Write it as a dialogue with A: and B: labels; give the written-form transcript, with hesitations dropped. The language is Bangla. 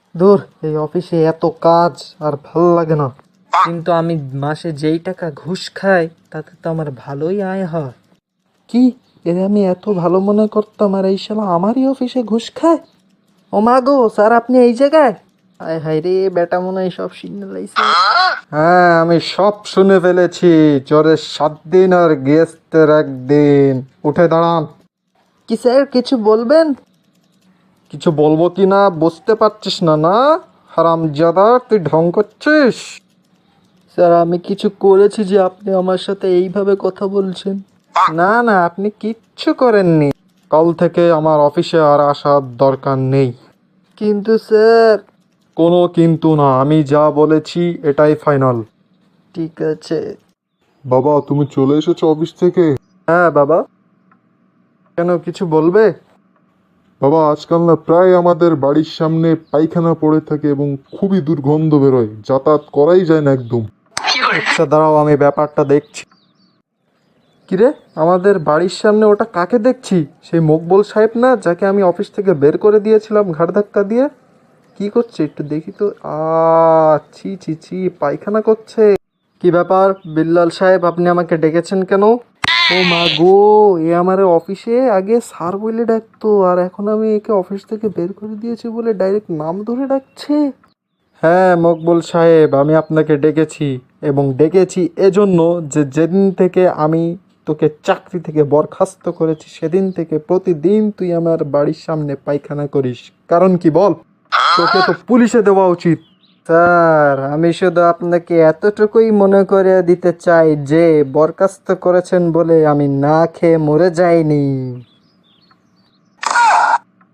A: দূর, এই অফিসে এত কাজ আর ভালো লাগে না। কিন্তু আমি মাসে যেই টাকা ঘুষ খাই তাতে তো আমার ভালোই আয় হয়। কি, এর আমি এত ভালো মনে করতাম আর এই শালা আমারই অফিসে ঘুষ খায়? ও মা গো, স্যার আপনি এই জায়গায়? হায় হায় রে, বেটা মনে হয় সব শুনে লাইছে। হ্যাঁ, আমি সব শুনে ফেলেছি। জ্বরের 7 দিন আর গেস্টের 1 দিন। উঠে দাঁড়ান। কি স্যার, কিছু বলবেন? কিছু বলবো কি না বুঝতে পারছিস না? না হারামজাদা, তুই ঢং করছিস? স্যার আমি কিছু করেছি যে আপনি আমার সাথে এইভাবে কথা বলছেন? না না, আপনি কিচ্ছু করেননি। কাল থেকে আমার অফিসে আর আসার দরকার নেই। কিন্তু স্যার। কোনো কিন্তু না, আমি যা বলেছি এটাই ফাইনাল। ঠিক আছে।
B: বাবা, তুমি চলে এসেছো অফিস থেকে?
A: হ্যাঁ বাবা। কেন, কিছু বলবে?
B: বাবা, আজকাল না প্রায় আমাদের বাড়ির সামনে পায়খানা পড়ে থাকে এবং খুবই দুর্গন্ধ বেরোয়, যাতায়াত করাই যায় না একদম।
A: আচ্ছা দাঁড়াও, আমি ব্যাপারটা দেখছি। কিরে, আমাদের বাড়ির সামনে ওটা কাকে দেখছি? সেই মকবুল সাহেব না, যাকে আমি অফিস থেকে বের করে দিয়েছিলাম ঘাড় ধাক্কা দিয়ে? কি করছে একটু দেখি তো। ছি ছি ছি, পায়খানা করছে। কি ব্যাপার বিল্লাল সাহেব, আপনি আমাকে ডেকেছেন কেন? ও মা গো, এ আমার অফিসে আগে স্যার বলে ডাকতো আর এখন আমি একে অফিস থেকে বের করে দিয়েছি বলে ডাইরেক্ট নাম ধরে ডাকছে। হ্যাঁ মকবুল সাহেব, আমি আপনাকে ডেকেছি এবং ডেকেছি এজন্য যে যেদিন থেকে আমি তোকে চাকরি থেকে বরখাস্ত করেছি সেদিন থেকে প্রতিদিন তুই আমার বাড়ির সামনে পায়খানা করিস। কারণ কি বল? তোকে তো পুলিশে দেওয়া উচিত। স্যার আমি শুধু আপনাকে এতটুকুই মনে করে দিতে চাই যে বরখাস্ত করেছেন বলে আমি না খেয়ে মরে যাইনি।